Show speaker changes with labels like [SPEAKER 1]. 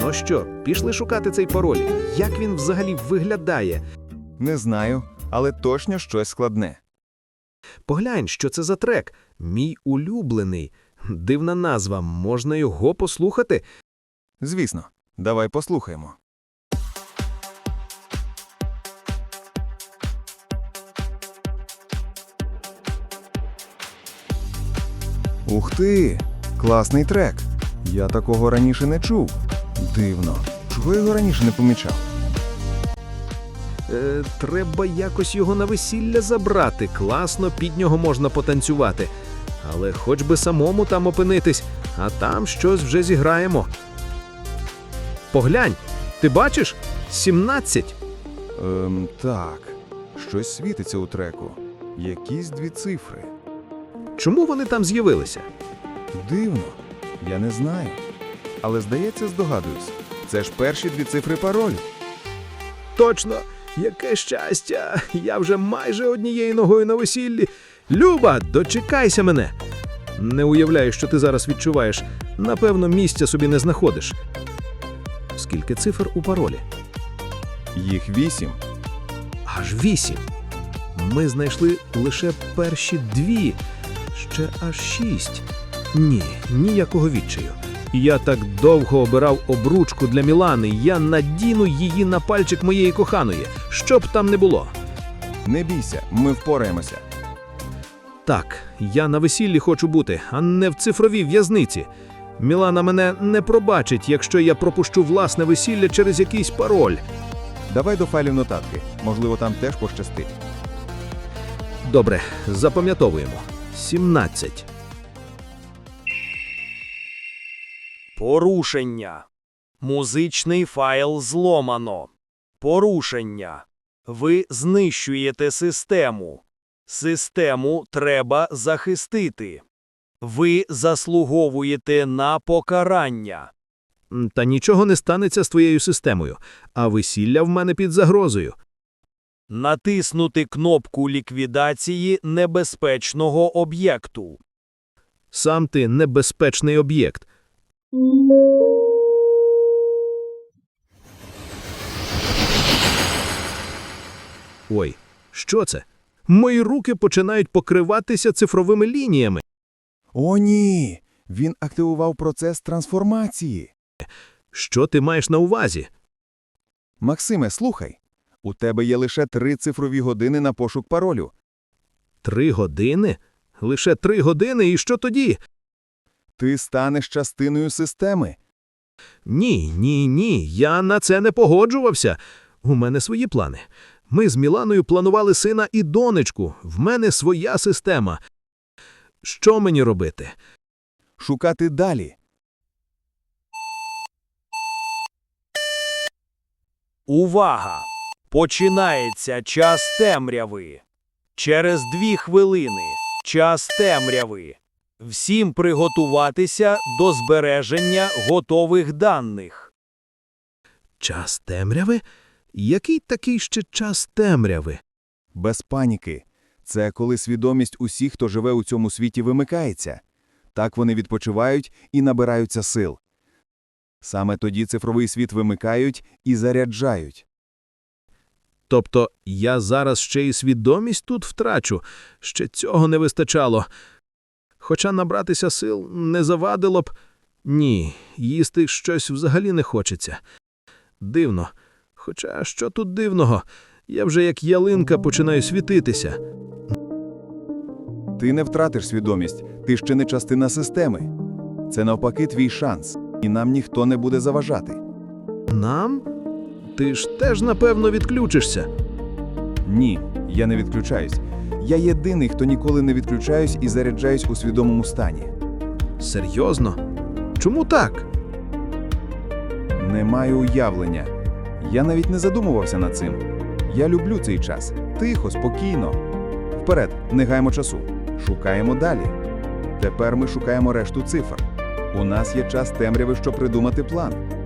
[SPEAKER 1] Ну що, пішли шукати цей пароль? Як він взагалі виглядає?
[SPEAKER 2] Не знаю, але точно щось складне.
[SPEAKER 1] Поглянь, що це за трек. Мій улюблений. Дивна назва, можна його послухати?
[SPEAKER 2] Звісно, давай послухаємо. Ух ти! Класний трек. Я такого раніше не чув. Дивно. Чого я його раніше не помічав?
[SPEAKER 1] Треба якось його на весілля забрати. Класно, під нього можна потанцювати. Але хоч би самому там опинитись, а там щось вже зіграємо. Поглянь, ти бачиш? 17.
[SPEAKER 2] Так. Щось світиться у треку. Якісь 2 цифри.
[SPEAKER 1] Чому вони там з'явилися?
[SPEAKER 2] Дивно. Я не знаю. Але, здається, здогадуюсь. Це ж перші 2 цифри паролю.
[SPEAKER 1] Точно! Яке щастя! Я вже майже однією ногою на весіллі. Люба, дочекайся мене! Не уявляю, що ти зараз відчуваєш. Напевно, місця собі не знаходиш. Скільки цифр у паролі?
[SPEAKER 2] Їх 8.
[SPEAKER 1] Аж 8. Ми знайшли лише перші 2. Ще аж 6. Ні, ніякого відчаю. Я так довго обирав обручку для Мілани, я надіну її на пальчик моєї коханої, що б там не було.
[SPEAKER 2] Не бійся, ми впораємося.
[SPEAKER 1] Так, я на весіллі хочу бути, а не в цифровій в'язниці. Мілана мене не пробачить, якщо я пропущу власне весілля через якийсь пароль.
[SPEAKER 2] Давай до файлів нотатки. Можливо, там теж пощастить.
[SPEAKER 1] Добре, запам'ятовуємо. 17.
[SPEAKER 3] Порушення. Музичний файл зломано. Порушення. Ви знищуєте систему. Систему треба захистити. Ви заслуговуєте на покарання.
[SPEAKER 1] Та нічого не станеться з твоєю системою, а весілля в мене під загрозою.
[SPEAKER 3] Натиснути кнопку ліквідації небезпечного об'єкту.
[SPEAKER 1] Сам ти небезпечний об'єкт. Ой, що це? Мої руки починають покриватися цифровими лініями.
[SPEAKER 2] О, ні! Він активував процес трансформації.
[SPEAKER 1] Що ти маєш на увазі?
[SPEAKER 2] Максиме, слухай. У тебе є лише 3 цифрові години на пошук паролю.
[SPEAKER 1] 3 години? Лише 3 години, і що тоді?
[SPEAKER 2] Ти станеш частиною системи.
[SPEAKER 1] Ні, я на це не погоджувався. У мене свої плани. Ми з Міланою планували сина і донечку. В мене своя система. Що мені робити?
[SPEAKER 2] Шукати далі.
[SPEAKER 3] Увага! Починається час темряви. Через 2 хвилини. Час темряви. Всім приготуватися до збереження готових даних.
[SPEAKER 1] Час темряви? Який такий ще час темряви?
[SPEAKER 2] Без паніки. Це коли свідомість усіх, хто живе у цьому світі, вимикається. Так вони відпочивають і набираються сил. Саме тоді цифровий світ вимикають і заряджають.
[SPEAKER 1] Тобто я зараз ще й свідомість тут втрачу. Ще цього не вистачало. Хоча набратися сил не завадило б. Ні, їсти щось взагалі не хочеться. Дивно. Хоча що тут дивного? Я вже як ялинка починаю світитися.
[SPEAKER 2] Ти не втратиш свідомість, ти ще не частина системи. Це навпаки твій шанс, і нам ніхто не буде заважати.
[SPEAKER 1] Нам? Ти ж теж, напевно, відключишся.
[SPEAKER 2] Ні, я не відключаюсь. Я єдиний, хто ніколи не відключаюсь і заряджаюсь у свідомому стані.
[SPEAKER 1] Серйозно? Чому так?
[SPEAKER 2] Не маю уявлення. Я навіть не задумувався над цим. Я люблю цей час. Тихо, спокійно. Вперед, не гаймо часу. Шукаємо далі. Тепер ми шукаємо решту цифр. У нас є час темряви, щоб придумати план.